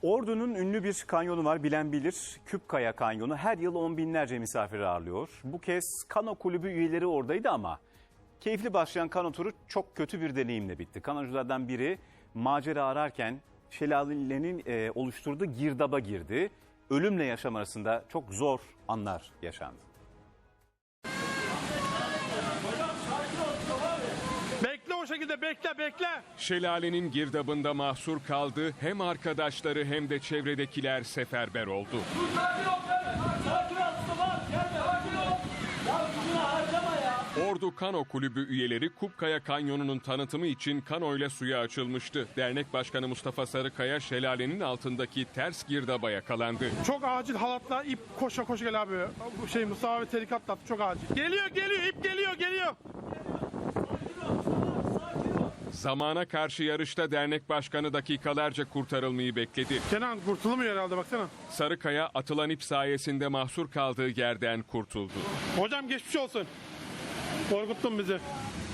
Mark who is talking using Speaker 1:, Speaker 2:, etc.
Speaker 1: Ordu'nun ünlü bir kanyonu var, bilen bilir. Küpkaya Kanyonu her yıl on binlerce misafir ağırlıyor. Bu kez kano kulübü üyeleri oradaydı ama keyifli başlayan kano turu çok kötü bir deneyimle bitti. Kanoculardan biri macera ararken şelalenin oluşturduğu girdaba girdi. Ölümle yaşam arasında çok zor anlar yaşandı.
Speaker 2: Bekle o şekilde, bekle.
Speaker 3: Şelalenin girdabında mahsur kaldı. Hem arkadaşları hem de çevredekiler seferber oldu. Ordu Kano Kulübü üyeleri Küpkaya Kanyonu'nun tanıtımı için kanoyla suya açılmıştı. Dernek Başkanı Mustafa Sarıkaya şelalenin altındaki ters girdaba yakalandı.
Speaker 2: Çok acil halatla ip koşa gel abi. Bu Mustafa abi tehlike atlattı, çok acil. Geliyor, ip geliyor.
Speaker 3: Zamana karşı yarışta dernek başkanı dakikalarca kurtarılmayı bekledi.
Speaker 2: Kenan kurtulamıyor herhalde, baksana.
Speaker 3: Sarıkaya atılan ip sayesinde mahsur kaldığı yerden kurtuldu.
Speaker 2: Hocam geçmiş olsun. Korkuttun bizi.